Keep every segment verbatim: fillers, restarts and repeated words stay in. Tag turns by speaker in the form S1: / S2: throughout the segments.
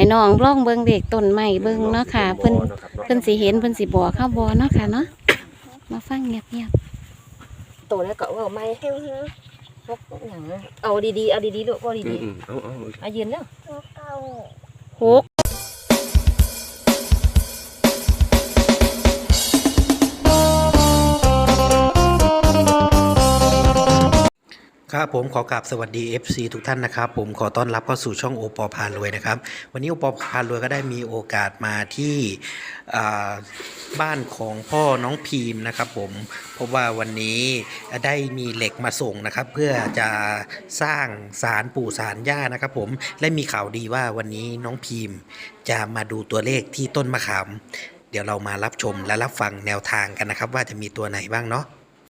S1: น้องล่องเบิ่งเด็กต้นไม้เบิ่งเนาะค่ะเพิ่นเพิ่นสิเห็นเพิ่นสิบอกเข้าบ่เนาะค่ะเนาะมาฟังเงียบๆ
S2: โตแล้วก็ว่าไม่พกอย่างเอาดีๆเอาดีๆลูกเอาดีๆเอาเอาเอายืนแล้วหก
S3: ครับผมขอกราบสวัสดี เอฟ ซี ทุกท่านนะครับผมขอต้อนรับเข้าสู่ช่องโอปอพารวยนะครับวันนี้โอปอพารวยก็ได้มีโอกาสมาที่บ้านของพ่อน้องพีมนะครับผมเพราะว่าวันนี้ได้มีเหล็กมาส่งนะครับเพื่อจะสร้างศาลปู่ศาลย่านะครับผมและมีข่าวดีว่าวันนี้น้องพีมจะมาดูตัวเลขที่ต้นมะขามเดี๋ยวเรามารับชมและรับฟังแนวทางกันนะครับว่าจะมีตัวไหนบ้างเนาะ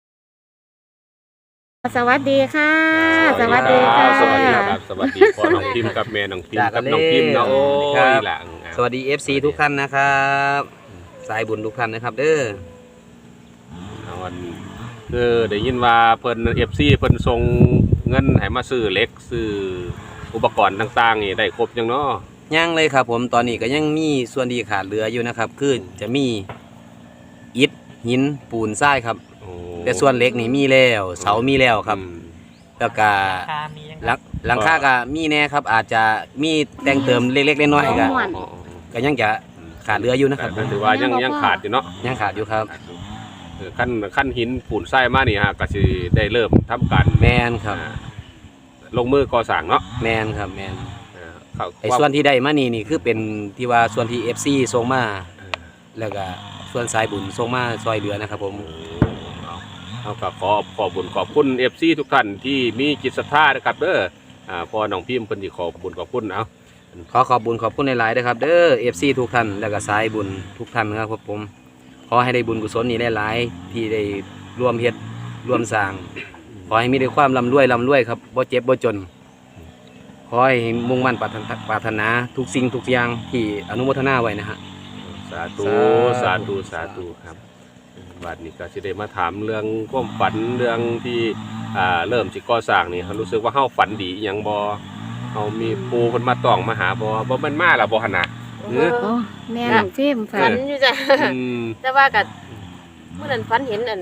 S1: สวัสดีค่ะสวัสดีค่ะ
S4: สวัสดีครับสวัสดีพ่อน้องพิมกับแม่น้องพิมกับน้องพิมเนาะโอ้ยหลัง
S5: สวัสดี เอฟ ซี ทุกท่านนะครับสายบุญทุกท่านนะครับเด้อ
S4: วันเออได้ยินว่าเพิ่น เอฟ ซี เพิ่นส่งเงินให้มาซื้อเหล็กซื้ออุปกรณ์ต่างๆนี่ได้ครบยังเนาะ
S5: ยังเลยครับผมตอนนี้ก็ยังมีส่วนที่ขาดเหลืออยู่นะครับคือจะมีอิฐหินปูนทรายครับแต่ส่วนเล็กนี่มีแล้วเสามีแล้วครับแล้วก็หลังคาก็มีแน่ครับอาจจะมีแต่งเติมเล็กๆน้อยๆก็ก็ยังจะขาดเหลืออยู่นะครับ
S4: ถือว่ายังยังขาดอยู่เนาะ
S5: ยังขาดอยู่ครับ
S4: ขั้นขั้นหินปูนทรายมานี่ฮะก็สิได้เริ่มทำการ
S5: แมนครับ
S4: ลงมือก่อสร้างเนาะ
S5: แมนครับแมนไอ้ส่วนที่ได้มานี่นี่คือเป็นที่ว่าส่วนที่ เอฟ ซี ส่งมาแล้วก็ส่วนสายบุญส่งมาซอยเหลือนะครับผม
S4: เอาก็ขอขอบบุญขอบคุณ เอฟ ซี ทุกท่านที่มีจิตศรัทธานะครับเด้ออ่าพอน้องพิมพ์เพิ่นสิขอบบุญขอบคุณเอา
S5: ขอขอบบุญขอบคุณหลายๆนะครับเด้อ เอฟ ซี ทุกท่านแล้วก็สายบุญทุกท่านครับผมขอให้ได้บุญกุศลนี้หลายๆที่ได้ร่วมเฮ็ดร่วมสร้างขอให้มีแต่ความร่ำรวยร่ำรวยครับบ่เจ็บบ่จนขอให้มุ่งมั่นปรารถนาทุกสิ่งทุกอย่างที่อนุโมทนาไว้นะฮะ
S4: สาธุสาธุสาธุครับบัดนี้ก็จะได้มาถามเรื่องความฝันเรื่องที่อ่าเริ่มสิก่อสร้างนี่เขารู้สึกว่าเฮาฝันดีอหยังบ่เฮามีปูเพิ่นมาต้องมาหาบ่บ่แม่นมาล่ะบ่หั่นน่ะ
S1: เออแม่น้องพิม
S2: ฝันอยู่จ้ะแต่ว่าก็เมื่อนั้นฝันเห็นอัน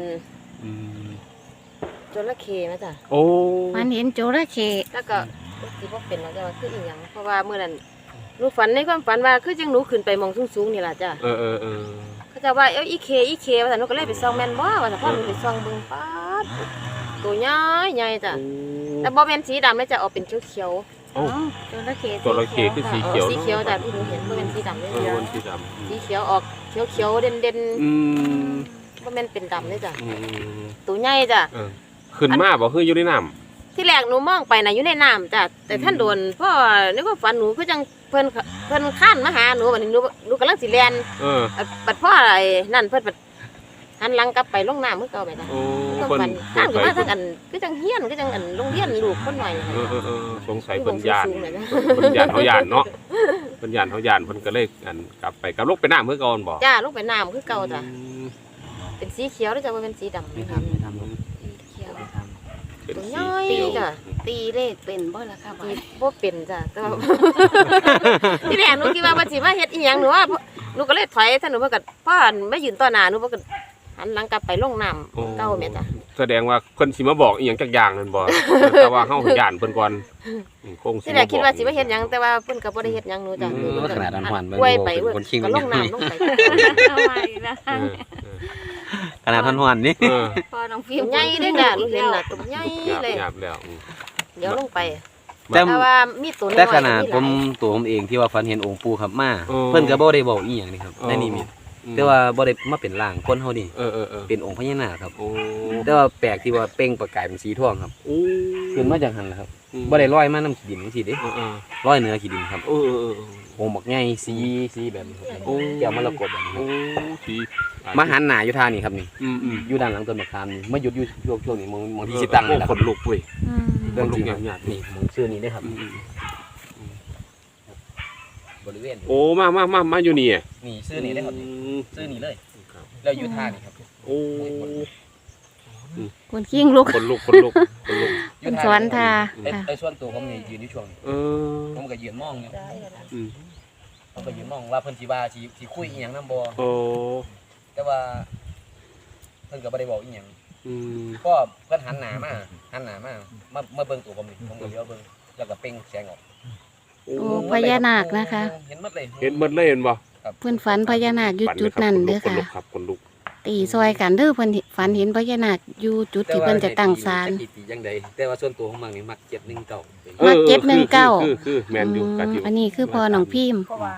S2: จระเข้มาจ้ะ
S4: โอ้
S1: ฝันเห็นจระเข้
S2: แล้วก็สิบ่เป็นแล้วจ้ะว่าคืออีหยังเพราะว่าเมื่อนั้นหนูฝันในความฝันว่าคือจังหนูขึ้นไปมองสูงๆนี่ล่ะจ้ะ
S4: เออๆๆ
S2: เขาจะว่าเอ้อีเคอีเคว่าแต่หนูก็เลยไปส่องแม่นบ่ว่าแต่พ่อหนูไปส่องเบิ่งป๊าดตัวใหญ่ใหญ่จ้ะแต่บ่แม่นสีดำเลยจะออกเป็นเขียว
S4: ๆโอ้
S1: จระเข้
S4: จระเข้คือสีเขียว
S2: สีเขียวจ้ะที่หนูเห็นบ่แม่นสีดำเลย
S4: เออสีด
S2: ำสีเขียวออกเขียวๆเด่นๆอืมบ่แม่นเป็นดำเลยจ้ะตัวใหญ่จ้ะ
S4: ขึ้นมาบ่คืออยู่ในน้ำ
S2: ที่แรกหนูมองไปน่ะอยู่ในน้ำจ้ะแต่ท่านโดนพ่อในความฝันหนูคือจังเพิ่นเพิ่นข้านมาหาหนูบัดนี้หนูหนูกำลังสิแล่น
S4: เออ
S2: บัดพ่อไอ้นั่นเพิ่นบัดหันหลังกลับไปลงน้ำคือเก่าไปจ้ะ
S4: โอ้
S2: เพิ่นข้านขึ้นมาทั้งอันคือจังเฮียนคือจังอันโรงเรียนลูกคนหน่อย
S4: เออๆๆสงสัยเพิ่นย่านเพิ่นย่านเฮาย่านเนาะเพิ่นย่านเฮาย่านเพิ่นก็เลยอันกลับไปกลับลงไปน้ำคือเก่าบ่
S2: จ้าลงไปน้ำคือเก่าจ้ะเป็นสีเขียวแล้วจ้ะบ่เป็นสีดำ
S5: ไม่ทำไม่ทำ
S2: เขียวตัวใหญ่จ้ะ
S1: ตีเลขเป็นบ่ล่ะค่ะ
S2: บ่เป็นจ้ะแต่ว่าที่แรกหนูคิดว่าบ่สิมาเฮ็ดอีหยังหนูว่าหนูก็เลยถอยถ้าหนูบ่ก็พ่อมายืนต่อหน้าหนูบ่ก็หันหลังกลับไปลงน้ำเก่าแม่จ้ะ
S4: แสดงว่าเพิ่นสิมาบอกอีหยังจักอย่างนั่นบ่แต่ว่าเฮาย่านเพิ่นก่อนคงสิ
S2: ที่แรกคิดว่าสิมาเฮ็ดหยังแต่ว่าเพิ่นก็บ่ได้เฮ็ดหยังหนูจ้ะ
S5: หนูขนาดนั้นหวาน
S2: ป่วยไปก็ลงน้ำลงไป
S1: ทำไมล่ะ
S5: ขนาดท่อนหวานนี่
S1: พอน้องพิม
S2: ใหญ่เด้อจ้ะหนูเห็นน่ะตัวใหญ่เลย
S4: หยาบแล้ว
S2: เดี๋ยวลงไปแต่ว่ามีตัวน้อย
S5: แต่ขนาดผมตัวผมเองที่ว่าฝันเห็นองค์ปู่ครับมาเพิ่นก็บ่ได้บอกอีหยังนี่ครับในนิมิตแต่ว่าบ่ได้มาเป็นร่างคนเฮานี่
S4: เออๆๆ
S5: เป็นองค์พญานาคครับแต่ว่าแปลกที่ว่าเปล่งประกายเป็นสีทองครับขึ้นมาจากหั่นล่ะครับบ่ได้ลอยมาน้ำขี้ดินจังซี่เด้ลอยเหนือขี้ดินครับ
S4: เออ
S5: ๆองค์บักใหญ่สีสีแบบนี้ครับแก้วมรกตแบบนี้
S4: โอ้สี
S5: มาหันหน้าอยู่ทางนี้ครับนี่อยู่ด้านหลังต้นมะขามนี่มาหยุดอยู่ช่วงช่วงนี้มองมองที่สิตั้งนี่ล่ะ
S4: ขนลุกเว้ย
S5: เรื่องจริงนี่มองชื่อนี้ได้ครับบริเวณ
S4: โอ้มามามามาอยู่นี่
S5: นี่ชื่อนี้ได้ครับชื่อนี้เลยแล้วอยู่ท่านี่ครับ
S4: โอ้
S1: คนขิ้งลุก
S4: คนลุกคนลุกคนลุก
S1: เป็นสวนท่า
S5: ไอ้ส่วนตัวผมนี่ยืนอยู่ช่วง
S4: เออ
S5: ผมก็ยืนมองอยู่ผมก็ยืนมองว่าเพิ่นสิว่าสิสิคุยอีหยังนำบ่
S4: โอ้
S5: แต่ว่าเพิ่นก็บ่ได้บอกอีหยัง
S4: อืม
S5: ก็เพิ่นหันหน้ามาหันหน้ามามามาเบิ่งตัวผมนี่ผมก็เลี้ยวเบิ่งแล้วก็เปล่งแสงออก
S1: โอ้พญานาคนะคะ
S5: เห็นหมดเลย
S4: เห็นหมดเลยเห็นบ่
S1: เพิ่นฝันพญานาคอยู่
S4: ฝั
S1: จุดนั้นเด้อ
S4: คน
S1: ค่ะ
S4: ลุกครับคนลุก
S1: ตีซอยกันเด้อเพิ่นฝันเห็นพญานาคอยู่จุดที่เพิ่นจะตั้งศาล
S5: แต่ว่าให้ตีจังใดแต่ว่าส่วนตัวของมันนี่มักเจ็ดหนึ่งเก้าเป็น
S1: มาเก็บหนึ่งเก้า
S4: คือคือคือแมนอยู่กัดอยู่
S1: อันนี้คือพอน้องพิมพ์
S6: เพราะว่า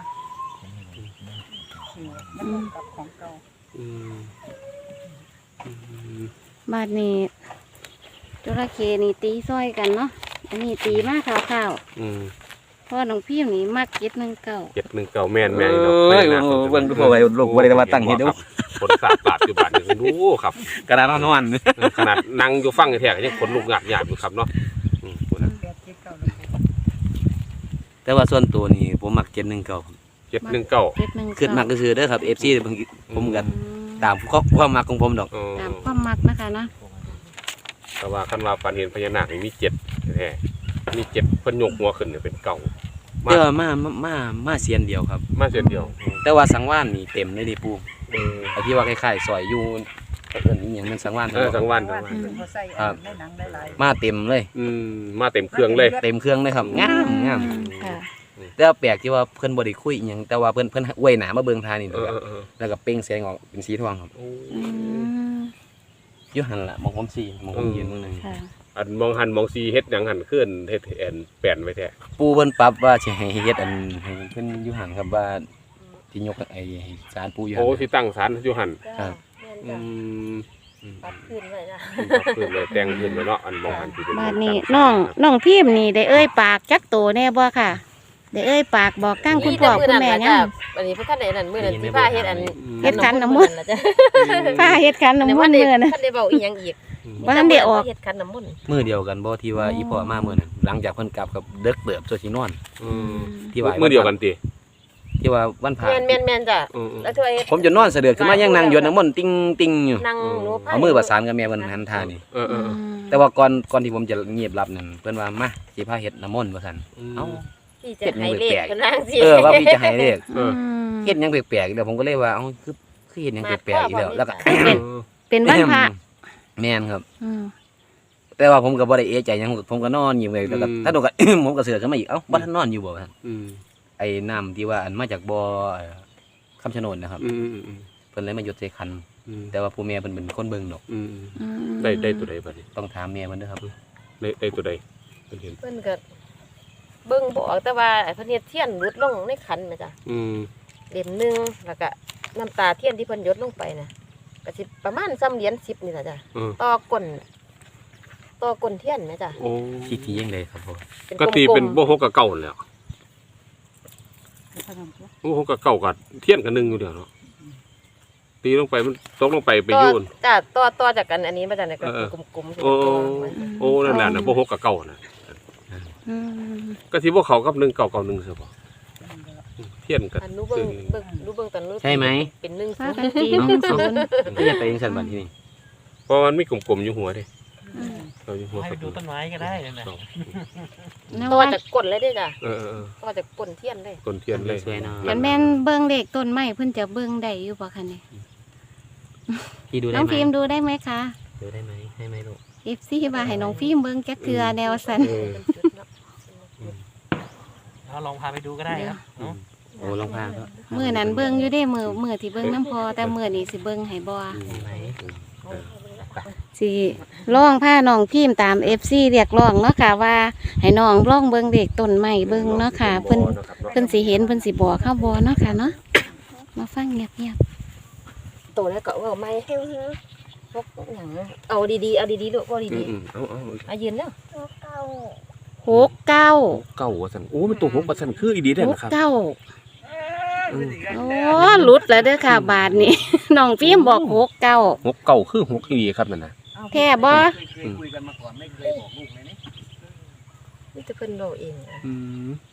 S6: มันเหมือนกับของเก่า
S4: อืมอืม
S1: บาดนี้จระเข้นี่ตีซอยกันเนาะอันนี้ตีมากข่าว
S4: อืม
S1: ๆพ่อน้องพิมพ์นี่มักเก็บหนึ่งเก้า
S4: เจ็ดหนึ่งเก้าแมนแมน
S5: เอ้ยเบิ่งดูพอไว้ลูกบ่ได้ว่าตั้งเฮ็ดเด้อ
S4: คนสาบปากอยู่บ้านนี่ดูครับ
S5: กระดานนอน
S4: ขนาดนั่งอยู่ฟังแท้ๆยังขนลุกหยาบหยาบอยู่ครับเนาะอืมพูดนะ
S6: แปดเจ็ดเก้าหนึ่ง
S5: แต่ว่าส่วนตัวนี่ผมมักเจ็ดหนึ่งเก้า
S4: เจ็ดหนึ่งเก้า
S1: เก็บหนึ่ง
S5: คือ
S1: เก้า
S5: มักซื่อๆเด้อครับ เอฟ ซี บางทีผมก็ตามความมักของผมดอก
S4: เออ
S1: ตามความมักนะคะเนาะ
S4: แต่ว่าคันว่าฝันเห็นพญานาคนี่มีเจ็ดแท้ๆมีเจ็ดเพิ่นยกหัวขึ้นเนี่ยเป็นเก่า มา
S5: แต่ว่ามามามามาเสียนเดียวครับ
S4: มาเส้นเดียว
S5: แต่ว่าสังวานนี่เต็มเลยดิปู
S4: เออ
S5: ไอ้ที่ว่าคล้ายๆซอยอยู่เอิ้นอีหยังมันสังวาน
S4: เออสังวาน
S6: ว่า
S4: สังวาน
S6: ที่เขาใส่
S5: ครับ
S6: ในหนังได้หลาย
S5: มาเต็มเลย
S4: อืมมาเต็มเครื่องเลย
S5: เต็มเครื่องเลยครับงามงาม
S1: ค่ะ
S5: แต่ว่าแปลกที่ว่าเพิ่นบ่ได้คุยอีหยังแต่ว่าเพิ่นเพิ่นอวยหน้ามาเบิ่งทานี่
S4: เออเออเออ
S5: แล้วก็เปล่งแสงออกเป็นสีทองครับ
S4: โอ้
S1: อืม
S5: อยู่หั่นล่ะมองผมสีมองผมยืนมื้อนึง
S1: ค่ะ
S4: อันมองหันมองซีเฮ็ดหยังหันขึ้นเฮ็ดแอนแปลนไว้แท้
S5: ปู่เพิ่นปรับว่าสิให้เฮ็ดอันให้เพิ่นอยู่หั่นครับว่าที่ยกไอ้ศาลปู่อยู่
S4: โอ้
S5: หั่น
S4: ที่ตั้งศาลอยู่หัน
S5: ครับ
S2: แม่น
S4: อื
S2: จ้ะ
S4: ม
S2: ปัดขึ้นไว้จ้ะ
S4: ขึ้นเลยแต่งขึ้นไว้เนาะอันมองหันที่เป็น
S1: บาดนี้น้องน้องพิมพ์นี่ได้เอ้ยปากจักโตแน่บ่ค่ะได้เอ้ยปากบอกกั้งคุณพ่อคุณแม่ยัง
S2: อันนี้เพิ่นคันได้นั่นมื้อนั้นที่พาเฮ็ดอัน
S1: เฮ็ดขันน้ำมนต์
S2: ล่ะจ้ะ
S1: ป้าเฮ็ดคันน้ำมนต์
S2: เด้
S1: เมื่อนะ
S2: คันได้เว้าอีหยังอีก
S1: บ่ทันได้ออก
S2: เฮ็ดขันน้ำมนต์
S5: มื้อเดียวกันบ่ที่ว่าอีพ่อมามื้อนั้นหลังจากเพิ่นกลับกับเด็กเติบโซสินอน
S4: อืม
S5: ที่ว่า
S4: มื้อเดียวกันติ
S5: ที่ว่าวันพระ
S2: แม่นแม่นแม่นจ้ะ
S4: อืมอืม
S2: แล้วที่ว่าเฮ็ด
S5: ผมจะนอนเสะเดือดขึ้นมายังนั่งหยดน้ำมนต์ติ้งติ้งอยู่
S2: นั่งหนูพา
S5: เอามือประสานกับแม่เพิ่นหันทานี่
S4: เออเออเออ
S5: แต่ว่าก่อนก่อนที่ผมจะเงียบรับนั่นเพิ่นว่ามาสิพาเฮ็ดน้ำมนต์ว่าซั่นเอ้า
S2: พี่จะให้เลขเพิ่นว่าจังซี่
S5: เออว่าพี่จะให้เลข
S4: เออ
S5: เฮ็ดหยังแปลกๆอีกแล้วผมก็เลยว่าเอ้าคือคือเฮ็ดหยังแปลกๆอีกแล้วแล้วก็
S1: เป็นเป็นวันพระ
S5: แม่นครับ
S1: อืม
S5: แต่ว่าผมก็บ่ได้เอะใจหยังผมก็นอนอยู่เลยแล้วก็ถ้าโดนก็ ผมก็เสือกขึ้นมาอีกเอ้าบ่ทันนอนอยู่บ่ว่าซั่น
S4: อืม
S5: ไอ้น้ำที่ว่าอันมาจากบ่อเอ่อคำชะโนดนะครับ
S4: อืมอืมอืม
S5: เพิ่นเลยมาหยดใส่คัน
S4: อืม
S5: แต่ว่าผู้แม่เพิ่นเป็นคนเบิ่งดอก
S4: อืม
S1: อืม
S4: ได้ได้ตัวใดบัดนี้
S5: ต้องถามแม่เพิ่นเด้อครับ
S4: ได้ได้ตัวใดเพิ่นเห็น
S2: เพิ่นก็เบิ่งบอกแต่ว่าไอ้เพิ่นเฮ็ดเทียนหลุดลงในขันแม่จ้ะ
S4: อืม
S2: เหรียญหนึงแล้วก็น้ำตาเทียนที่เพิ่นหยดลงไปน่ะก็สิประมาณซ้ำเหรียญสิบนี่ล่ะจ้ะ
S4: เออ
S2: ต่อก้นต่อก้นเทียนแม่จ้ะ
S4: โอ้
S5: ที่ที่ยังเลยครับผม
S2: เป็น
S4: ก็ตีเป็นบ่ฮกกับเก่านั่นแหล้ว
S6: ขนมตัว
S4: บ่ฮกกับเก่ากับเทียนกับหนึ่งอยู่เดียวเนาะตีลงไปมันตกลงไปไป
S2: ต่อ
S4: โยน
S2: จ้ะต่อต่อจากกันอันนี้มาจากไหนก็
S4: เออ
S2: กลมๆ
S4: โอ้โอ้นั่นแหละนะบ่ฮกกับเก่าน่ะ
S1: อืม
S4: ก็สิบ่เข้ากับหนึ่งเก่าเก่าหนึ่งซะบ่เทียนกับ
S2: อันนู้เบิ่งเบิ่งรู้เบิ่งตอนนู้
S5: ใช่ไหม
S2: เป็นหนึ่ง
S1: ป้า
S2: ศูน
S1: กัน
S2: ย์
S1: ตีหนึ่งศูนย์
S5: ก็ยังไปยังสันบันที่นี่
S4: เพราะมันมีกลมๆอยู่หัวเด้
S1: อืม
S4: เราอยู่หัว
S7: ให้
S4: สัก
S7: ดูต้นไม้ก็ได้นั่นน่ะ
S4: สอง
S1: แล้ว
S2: ต่อ
S1: ว่า
S2: จากก้นเลยเด้อจ้ะ
S4: เออเออเออ
S2: ต่อจากก้นเทียนเลย
S4: ต้นเทียนเลย
S5: สวยเนาะ
S1: คันแม่นเบิ่งเลขต้นไม้เพิ่นจะเบิ่งได้อยู่บ่คะเนี่ย
S5: พี่ดูได้
S1: น้อง
S5: ไหม
S1: พิมพ์ดูได้ไหมคะ
S5: ดูได้ไหมให้ไหมลูก
S1: เอฟซีว่าให้น้องพิมพ์เบิ่งจักเทื่อแนวสัน
S4: เออ
S2: เป็นจุดเนาะ
S7: เอาลองพาไปดูก็ได้ครับเนาะ
S5: โอ้ลองพาก็
S1: มื้อนั้นเบิ่งอยู่เด้มื้อมื้อที่เบิ่งน้ำพอแต่มื้อนี้สิเบิ่งให้บ่
S5: ให้ไหม
S1: สิร้องพาน้องพิมพ์ตาม เอฟ ซี เรียกร้องเนาะค่ะว่าให้น้องร้องเบิ่งเลขต้นไม้เบิ่งเนาะค่ะเพิ่นเพิ่นสิเห็นเพิ่นสิบอกเข้าบ่เนาะค่ะเนาะมาฟังเงียบ
S2: ตัวแล้วก็เอาไม้ให้พกหยังเอาดีๆเอาดีๆลูกเอา
S4: อื
S2: ดี
S4: มอืมเอาเอา
S2: ๆเอายืนแล้ว
S1: ๆหกเก้า
S4: เก่าว่าซั่นโอ้มันตัวหกว่าซั่นคืออีดีได้
S1: หก
S4: นะครับ
S1: เก้าโอ้หลุดแล้วเด้อค่ะบาทนี้ น้องพิมพ์บอกหกเก้า
S4: หกเก่าคือหกอีดีครับนั่นน่ะ
S1: แค่บ่
S5: เคยคุยกันมาก่อนไม่เคยบอกลูกเลยนี่
S2: นี่จะเพิ่นบอกเอง
S4: อืม